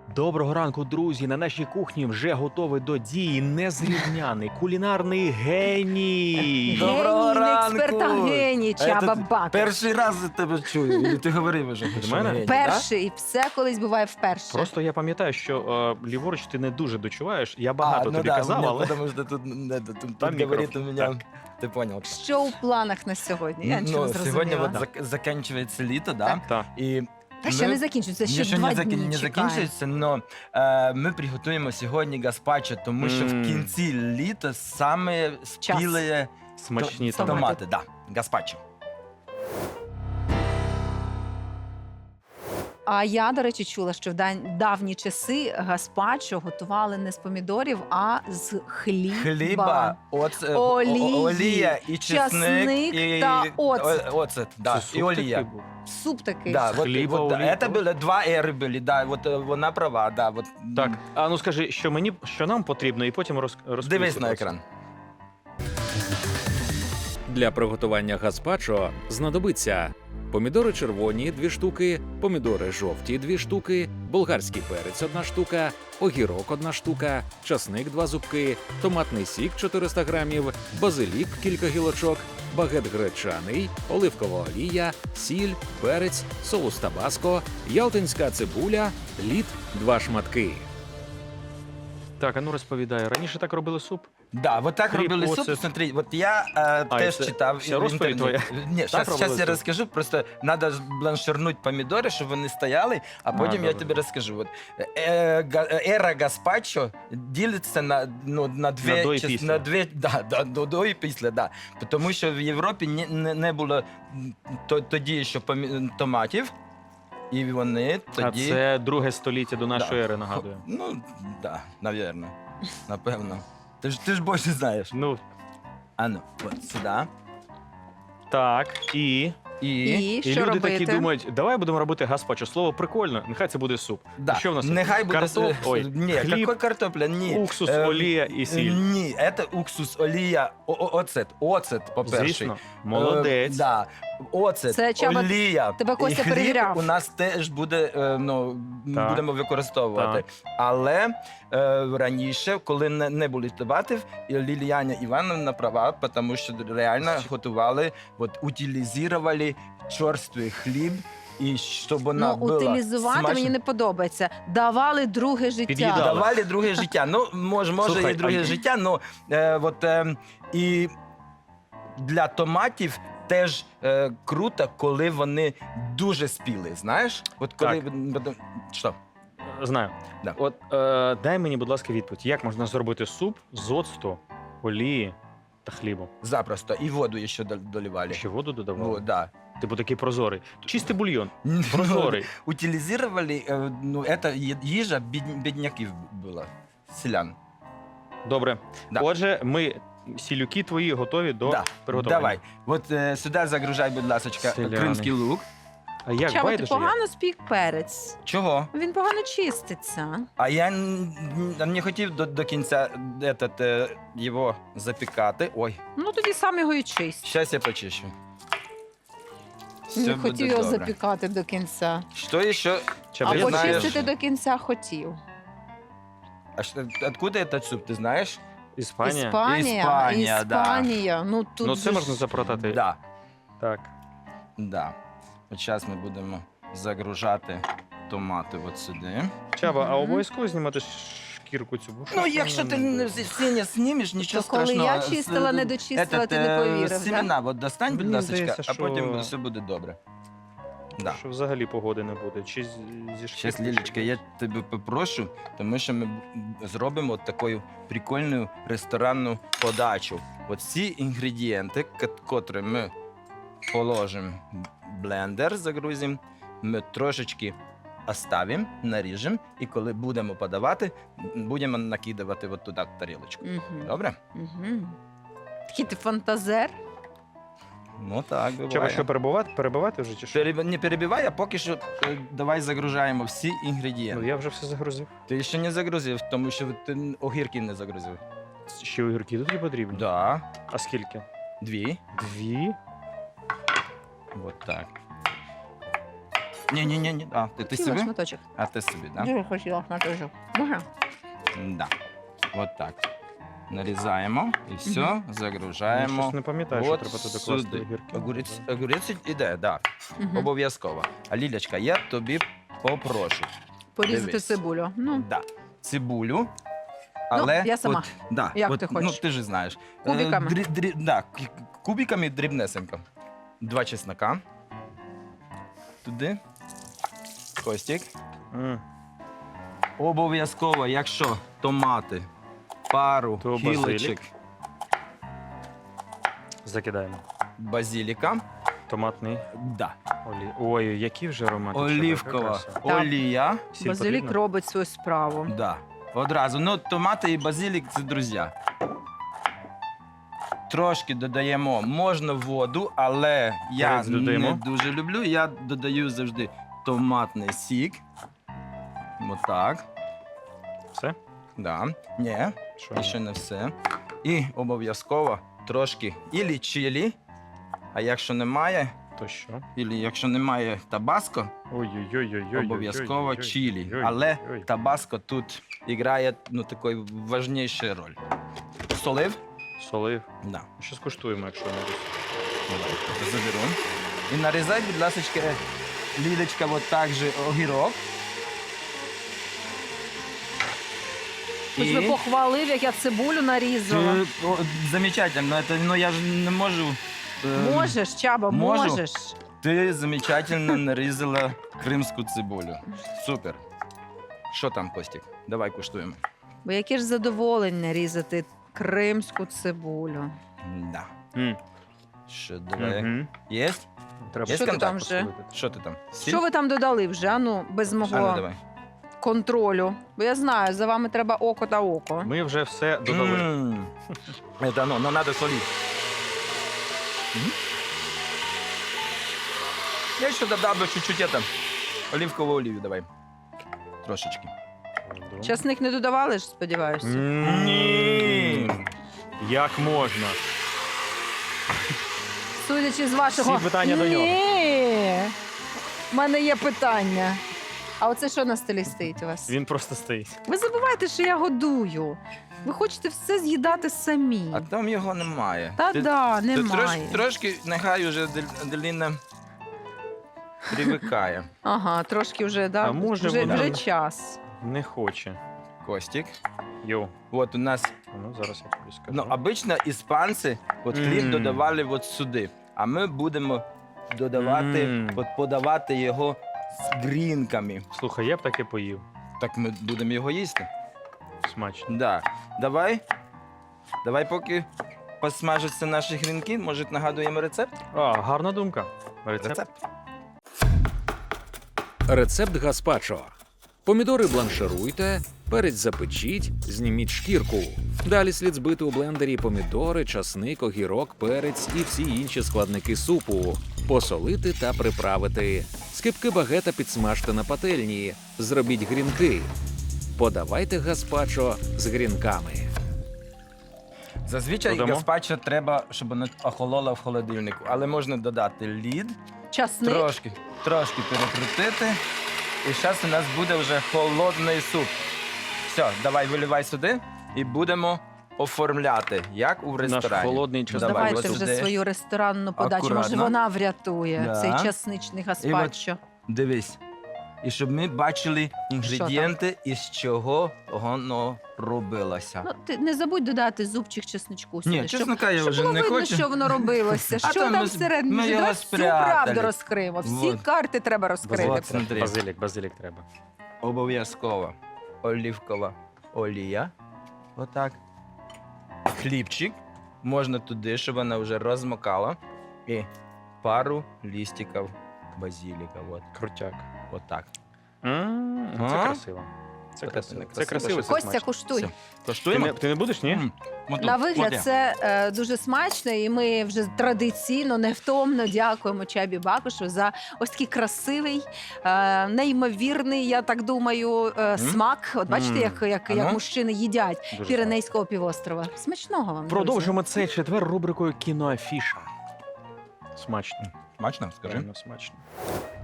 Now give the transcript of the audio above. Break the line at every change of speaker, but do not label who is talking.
Доброго ранку, друзі! На нашій кухні вже готовий до дії незрівняний кулінарний геній.
Доброго
Геній,
ранку!
експерта геній Чаба Бакер.
Перший раз за тебе чую. І ти говорив вже.
Від
що
мене?
геній,
Перший, все колись буває вперше.
Просто я пам'ятаю, що ліворуч ти не дуже дочуваєш. Я багато тобі
да,
казав, але
Потому что тут
Там
говорит у
мікрофон,
меня, ти понял.
Що у планах на сьогодні? Я нічого не
Сьогодні
зрозуміла.
от закінчується літо, да?
Так.
так.
І
Та ще
ми-
не закінчується, ще
Ще
2
не
дні
не
чекає.
закінчується, але ми приготуємо сьогодні гаспачо, тому що в кінці літа саме спілі
Смачні
Томати.
томати. Да, гаспачо.
А я, до речі, чула, що в давні часи гаспачо готували не з помідорів, а з
Хліба,
Олії,
олія і
часник
чесник,
та оцет.
оцет, да,
Це
і
суп
олія.
такий був.
Суп такий.
Да,
Хліба,
вот,
олія.
это было два эри были, да, вот вона права, да, вот.
Так, а ну скажи, що нам потрібно, і потім розповіси.
Дивись на екран.
Для приготування гаспачо знадобиться помідори червоні 2 штуки, помідори жовті 2 штуки, болгарський перець 1 штука, огірок 1 штука, часник 2 зубки, томатний сік 400 грамів, базилік кілька гілочок, багет гречаний, оливкова олія, сіль, перець, соус табаско, ялтинська цибуля, лід 2 шматки.
Так, а ну розповідай. Раніше так робили суп?
Да, вот так
Хліб,
робили
оцет.
суп, смотри, вот я теж
це
читав
вся
в
розповідь
інтернеті. Ні,
Так робили
зараз я
суп?
розкажу, просто треба бланширнути помідори, щоб вони стояли, а потім я
добре.
тобі розкажу. От, ера гаспачо ділиться на дві
На до і
частини,
після.
на дві, до і після, да. Тому що в Європі не було тоді ще томатів, і вони тоді...
А це друге століття до нашої ери, нагадую.
Ну, да, навірно, напевно. Ти ж більше знаєш.
Ну,
А ну, от сюди.
так, і
І що
люди
робити?
такі думають, давай будемо робити гаспачо. Слово прикольно, нехай це буде суп.
Да.
Що в нас?
Нехай буде
Ой,
Ні,
хліб,
який картопля? Ні.
уксус,
Е,
олія і сіль.
Ні, це уксус, олія, оцет, по-перше.
Звісно, молодець.
Да. Оцет,
Це, Чаба,
олія.
тебе
і
Костя
хліб
перевіряв.
у нас теж буде,
Так.
будемо використовувати. Але раніше, коли не було томатів, Ліліяна Івановна права, тому що реально готували, утилізували чорствий хліб, і щоб вона була
утилізувати
смачна.
мені не подобається. Давали друге життя.
Під'їдали.
Давали друге життя. Ну, може
Слухай,
і друге
а-
життя, і для томатів теж круто, коли вони дуже спіли, знаєш? От коли... Що?
Знаю.
Да.
От дай мені, будь ласка, відповідь. Як можна зробити суп з оцту, олії та хлібу?
Запросто. І воду ще доливали.
Ще воду додавали?
Вот, да.
Типу такий прозорий. Чистий бульйон. Прозорий.
Утилізували, це їжа бідняків була, селян.
Добре.
Да.
Отже, ми сілюки твої готові до
Да.
приготування.
Давай. От сюди загружай, будь ласка,
Селяни.
кримський лук.
А як
Чаба, ти
байдуже?
погано спік перець.
Чого?
Він погано чиститься.
А я не хотів до кінця його запікати. Ой,
Ну тоді сам його і чисть.
зараз я почищу. Все
Не
буде
хотів його
добре.
запікати до кінця.
Що ще?
Чаба,
А
я
Ти
знаю,
почистити
знаєш?
до кінця хотів.
Откуда этот суп, ти знаєш?
Іспанія?
Іспанія, да.
Іспанія. Ну тут
Ну це
же
можна
ж-
запротати.
Да,
Так.
да. От зараз ми будемо загружати томати от сюди.
Чаба, а
Мгм.
обов'язково знімати шкірку цю? Бо
Ну,
щось
якщо ти
вона
всі не знімеш, нічого
То коли
страшного.
я чистила, не дочистила, ти не повірив, да?
Семена, от достань, будь
Мені
ласка,
здається,
а
що-
потім все буде добре. Да.
Що взагалі погоди не буде. Чи зі
Зараз,
шкірки?
Лілечка, я тебе попрошу, тому що ми зробимо от таку прикольну ресторанну подачу. От всі інгредієнти, котрі ми положимо в блендер, загрузимо, ми трошечки оставимо, наріжемо, і коли будемо подавати, будемо накидувати от туди тарілочку.
Мгм.
Добре?
Мгм. Такий ти фантазер.
Ну так, буває.
Чаба, що перебивати вже чи що?
Не перебивай, а поки що давай загружаємо всі
Ну
інгредієнти.
я вже все загрузив.
Ти ще не загрузив, тому що ти огірки не загрузив.
Ще огірки тут є потрібні?
Да.
А скільки?
2.
Дві?
Вот так. Ні. А, ти
Хотіла
собі?
шматочок.
А ти собі, так?
Дуже хотіла шматочок. Дуже.
Да. От так. Нарізаємо і все,
Я
загружаємо.
щось не пам'ятаю, що
От
треба туди
сюди.
класти огірки.
Огурець іде, так.
Мгм.
Обов'язково. А Лілячка, я тобі попрошу.
Порізати
Дивись.
цибулю. Ну,
Да. Цибулю. Але
я сама.
От, да,
Як
от,
ти хочеш?
Ну, ти ж знаєш.
Кубиками?
Да, кубиками дрібнесенько. 2 чеснока. Туди. Костік.
М,
Обов'язково, якщо томати, пару
То
гілочок
базилік. Закидаємо.
базиліка.
Томатний
Да.
Ой, які вже аромати.
Олівкова олія.
базилік робить свою справу.
Да. Одразу. Ну, томати і базилік це друзі. Трошки додаємо, можна воду, але я
Перець додаємо.
не дуже люблю. Я додаю завжди томатний сік. Отак.
Все?
Да. Ні,
Що?
ще не все. І обов'язково трошки ілі чилі, а якщо немає,
То що?
ілі якщо немає табаско,
Ой-ой-ой-ой-ой.
обов'язково чилі. Але табаско тут грає таку важнішу роль. Солив?
Солив.
Да.
Що скуштуємо, якщо не десь.
Давай, заберу. І нарізай, будь ласка, Лілечка, от так же огірок.
Хоч би похвалив, як я цибулю нарізала.
Замечательно, это, я ж не можу.
Можеш, Чаба,
можу.
можеш.
Ти замечательно нарізала кримську цибулю. Супер. Що там, Костік? Давай куштуємо.
Бо яке ж задоволення різати кримську цибулю.
Да.
М,
Що, давай.
мгм.
Єсть?
Треба
Є
Що ти
контакт?
там вже?
Що ти там? Сіль?
Що ви там додали вже? Ану, без
А, ну,
мого
давай.
контролю. Бо я знаю, за вами треба око та око.
Ми вже все додали.
Это оно, но надо солить. Я ще додав би чуть-чуть это, оливкову олію давай. Трошечки.
Часник не додавали ж, сподіваюся?
Ні.
Як можна?
Судячи з вашого...
Всі питання до нього.
Ні. У мене є питання. А оце що на столі стоїть у вас?
Він просто стоїть.
Ви забуваєте, що я годую. Ви хочете все з'їдати самі.
А там його немає.
Та да,
ти
немає.
трошки нехай уже Деліна привикає.
Ага, трошки вже, да?
А може
вже,
вона-
вже час.
Не хоче.
Костік.
Йоу.
От у нас,
Ну, зараз я тобі скажу.
ну, обично іспанці от хліб
Мм.
додавали от сюди. А ми будемо додавати,
Мм.
от подавати його з грінками.
Слухай, я б таке поїв.
Так ми будемо його їсти.
Смачно.
Да. Давай поки посмажаться наші грінки, може нагадуємо рецепт?
А, гарна думка. Рецепт.
Рецепт гаспачо. Помідори бланшируйте, перець запечіть, зніміть шкірку. Далі слід збити у блендері помідори, часник, огірок, перець і всі інші складники супу. Посолити та приправити. Скибки багета підсмажте на пательні. Зробіть грінки. Подавайте гаспачо з грінками.
Зазвичай
Додамо?
гаспачо треба, щоб воно охололо в холодильнику, але можна додати лід,
Часник.
трошки перекрутити. І зараз у нас буде вже холодний суп. Все, давай виливай сюди і будемо оформляти, як у
Наш
ресторані.
холодний час.
Давай,
Давайте
ось
вже
сюди.
свою ресторанну подачу. Може,
Акуратно.
вона врятує
Да.
цей часничний гаспачо.
Дивись. І щоб ми бачили інгредієнти, із чого воно робилося.
Ну, ти не забудь додати зубчик чесничку сюди.
Ні, чеснока я
щоб
вже
було
не
видно,
хочу.
що воно робилося.
А
Що
то
там
ми-
всередині?
ми
Вже
його
давай всю
спрятали.
правду розкриємо. Всі
Вот.
карти треба розкрити.
Вот, смотри.
Базилік треба.
Обов'язково олівкова олія. Отак. Хлібчик. Можна туди, щоб вона вже розмокала. І пару лістиків базиліка. От.
Крутяк.
Отак.
Це
А?
красиво. Це
Це
красиво.
не
Це красиво.
красиво,
це
Костя,
смачно.
куштуй.
Все.
Ти
Коштуємо?
не, ти не будеш, ні?
На вигляд це дуже смачно, і ми вже традиційно, невтомно дякуємо Чабі Бакушу за ось такий красивий, неймовірний, я так думаю, смак. От бачите, як
Ано?
мужчини їдять
Дуже
Піренейського півострова. Смачного вам. друзі.
Продовжимо цей четвер рубрикою кіноафіша. Смачно.
Смачно, скажи.
Реально смачно.